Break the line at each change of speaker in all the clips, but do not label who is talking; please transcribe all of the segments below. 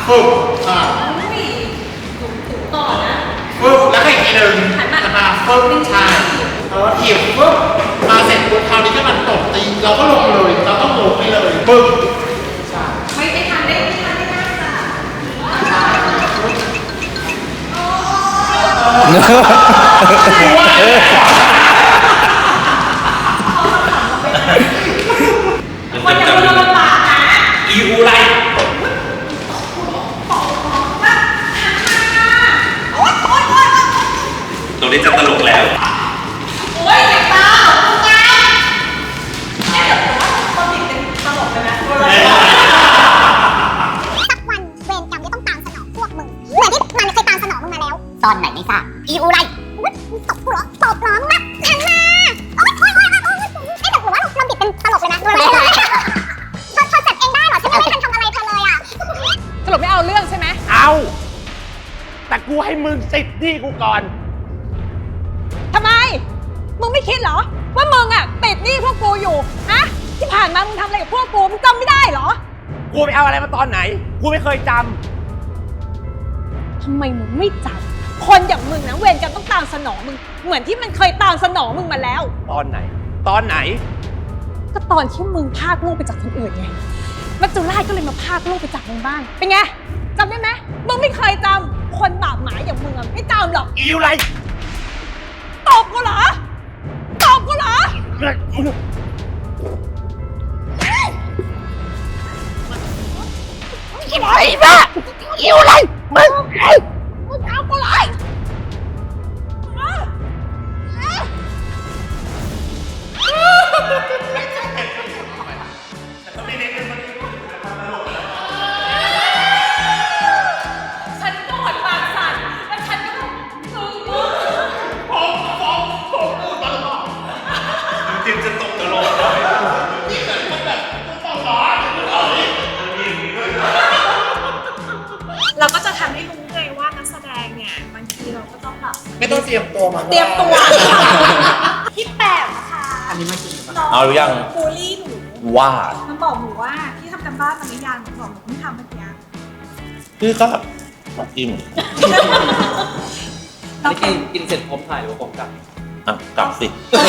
ฝึก
ต่อนะ
ฝึกแล้วให้อีกทีหนึ่งมาฝึกใช่ถีบฝึกมาเสร็จปุ๊บคราวนี้ก็มันตบตีเราก็ลงเลยเราต้องลงไปเลยฝึกใช่
ไม่ทันได้ค่ะ
มันจะมีลำบากนะอีอูไรตรงนี้จะตลกแล้ว
โอ้ยเจ็บตาคุณยายแค่แบบว่าคนติดเป็นตลกเลยนะ
สักวันเวรกรรมจะต้องตามสนองพวกมึงเหมือนที่มันเคยตามสนองมึงมาแล้วตอนไหนไม่ทราบอีอูไรมึงตบกูเหรอตบเหรอมึงนับหันมาโอ๊ยแต่หรือว่าเราบิดเป็นตลกเลยนะดูเลยเธอจัดเองได้เหรอฉันยังไม่ทันทำอะไรเธอเลยอ่ะ
สรุปไม่เอาเรื่องใช่ไหม
เอาแต่กูให้มึงสิทธิ์ที่กูก่อน
ทำไมมึงไม่คิดเหรอว่ามึงอ่ะติดหนี้พวกกูอยู่ฮะที่ผ่านมามึงทำอะไรกับพวกกูมึงจำไม่ได้เหรอ
กูไปเอาอะไรมาตอนไหนกูไม่เคยจ
ำทำไมมึงไม่จำคนอย่างมึงนะเวรกรรมต้องตามสนองมึงเหมือนที่มันเคยตามสนองมึงมาแล้ว
ตอนไหนตอนไหน
ก็ตอนที่มึงพากลูกไปจากคนอื่นไงมัจจุราชก็เลยมาพากลูกไปจากมึงบ้างเป็นไงจำได้ไหมมึงไม่เคยจำคนบาปหมายอย่างมึงอะไม่จำหรอก
อีอะไร
ตบกูเหรอตบกูเหรอ
อะไรบ้าอีอะไรมึง
เอากูเลยฉันก็หดปากสั่นแล้วฉันก็
จริงจะตกตลก
เราก็จะทำให้รู้เลยว่านักแสดงเนี่ยบางทีเราก็ต้องแบบ
ไม่ต้องเตรียมตัวมา
เตรียมตัวพี่แปมค่ะ
อันนี้มากิน
เอาหรือยัง
บูลลี่หนู
ว่า
มันบอกหนูว่าพี่ทำกันบ้านมาหรือยังหนูบอกหนูเพิ่งทำเมื่อกี้
พี่ก็อิ่ม
นี่กินเสร็จพร้อมถ่ายหรือว่าพร้อมกลับ
กลับสิ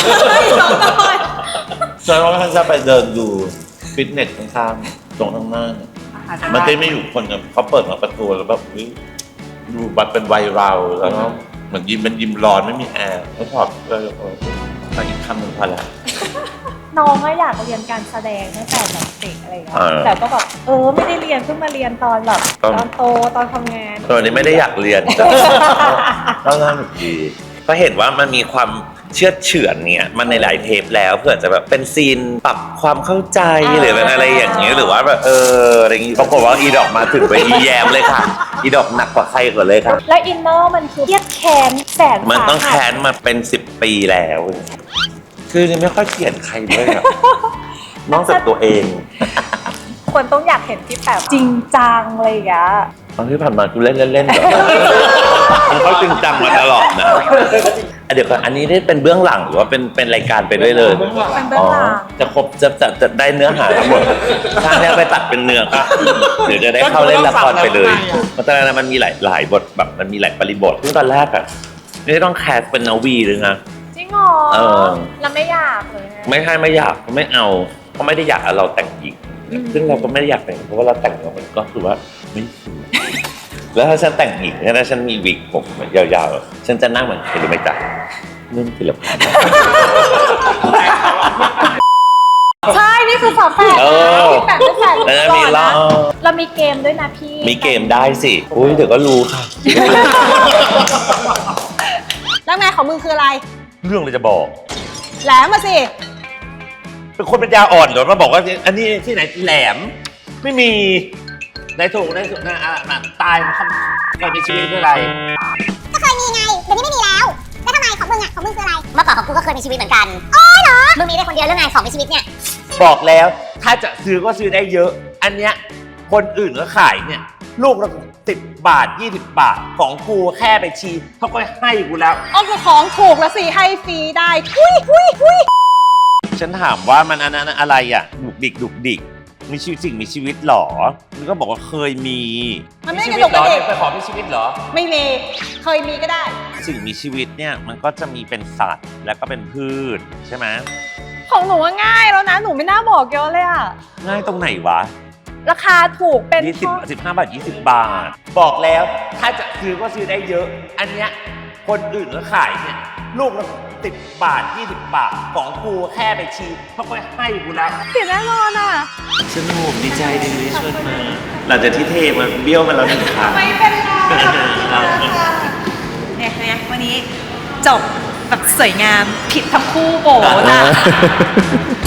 ฉันว่าท่านจะไปเดินดูฟิตเนสข้างๆตรงข้างหน้ามันจะไม่อยู่คนเขาเปิดมาประตูแล้วแบบดูบัตรเป็นไวรัลแล้วก็เหมือนยิ้มร้อนไม่มีแอร์แล้วถอดเลยอีกคำหนึ่งพอแล้ว
น้องก็อยากเรียนการแสดงตั้งแต่แบบเด็กอะไรอย่างเงี้ยแต่ก็แบบไม่ได้เรียนเพิ่งมาเรียนตอนแบบตอนโตตอนทำงาน
ตอนนี้ไม่ได้อยากเรียนก็น่าหนุกดีก็เห็นว่ามันมีความเชื่อเฉือนเนี่ยมันในหลายเทปแล้วเพื่อจะแบบเป็นซีนปรับความเข้าใจหรือเป็นอะไรอย่างเงี้ยหรือว่าแบบอะไรอย่างงี้ปรากฏว่าอีดอกมาถึงไปอีแยมเลยค่ะอีดอกหนักกว่าใครก่อนเลยค่ะ
แล้วอินเนอร์มันคือเครียดแค้นแสน
มันต้องแค้นมาเป็น10 ปีแล้วคือไม่ค่อยเกลียดใครเลยอะนอกจากตัวเอง
คนต้องอยากเห็นที่แบบจริงจังอะไรอย่างเงี้ย
ตอนที่ผ่านมากูเล่นเหรอมันก็จริงจังมาตลอดนะเดี๋ยวก่อนอันนี้ได้เป็นเบื้องหลังหรือว่าเป็นรายการไปด้วยเลย
เป็นเบื้องหลัง
จะครบจะได้เนื้อหาทั้งหมดถ้าเนี่ยไปตัดเป็นเนื้อก็เดี๋ยวจะได้เข้าเล่นละครไปเลยเพราะตอนนั้นมันมีหลายบทแบบมันมีหลายบริบทซึ่งตอนแรกอะไม่ต้องแคสเป็นนาวีเลยนะ
จริงเหรอเราไม่อยากเลย
ไม่อยากไม่เอาเขาไม่ได้อยากเราแต่งหญิงซึ่งเราก็ไม่ได้อยากแต่งเพราะว่าเราแต่งแล้วมันก็คือว่าไม่สวยแล้วถ้าฉันแต่งหญิงถ้าฉันมีวิกผมยาวๆฉันจะนั่งเหมือนใครรู้ไหมจ๊ะเรื่องศิลปะ
ใช่นี่คือฝาแฝดพี่แปมเป็นแฝดก่อนนะเรามีเกมด้วยนะพี่
มีเกมได้สิอุ้ยเดี๋ยวก็รู้ค่ะ
แล้วแม่ของมึงคืออะไร
เรื่องเลยจะบอก
แหลมมาสิ
เป็นคนปัญญาอ่อนเดี๋ยวมาบอกว่าอันนี้ที่ไหนแหลมไม่มีในถูกนะตายมันเคยมีชีวิตคืออะไร
ก็เคยมีไงเดี๋ยวนี้ไม่มีแล้วแล้วทำไมของมึงคืออะไรเมื่อก่อนของกูก็เคยมีชีวิตเหมือนกันอ๋อเหรอมึงมีได้คนเดียวเรื่องไงของมีชีวิตเนี่ย
บอกแล้วถ้าจะซื้อก็ซื้อได้เยอะอันเนี้ยคนอื่นก็ขายเนี่ยลูกละ10 บาท20 บาทของกูแค่ไปชีเขาก็ให้กูแล้ว
ก็ของถูกแล้วสิให้ฟรีได้ทุย
ฉันถามว่ามันอันนั้นอะไรอ่ะดุกดิกมีชีวิตสิ่งมีชีวิตหรอมันก็บอกว่าเคยมี
มันไม่ได้กระดกกระเดก
ไปขอมีชีวิตเหรอ
ไม่มีเคยมีก็ได้
สิ่งมีชีวิตเนี่ยมันก็จะมีเป็นสัตว์แล้วก็เป็นพืชใช่ไหม
ของหนูว่าง่ายแล้วนะหนูไม่น่าบอกเยอะเลยอะ
ง่ายตรงไหนวะ
ราคาถูกเป็น
20 15 บาท 20 บาท บอกแล้วถ้าจะซื้อก็ซื้อได้เยอะ อันเนี้ยคนอื่นก็ขายเนี่ยลูกละ10 บาท 20 บาท ของกูแค่ไปชีเขาก็ให้กูแล้ว
เสียแน่นอนอะ
สนุกดีใจดีที่ชวนมาหลังจากที่เทมาเบี้ยวมาแล้วหนึ่งครั้ง
ไม่เป็นไรเนี่ยวันนี้จบแบบสวยงามผิดทั้งคู่โบนะ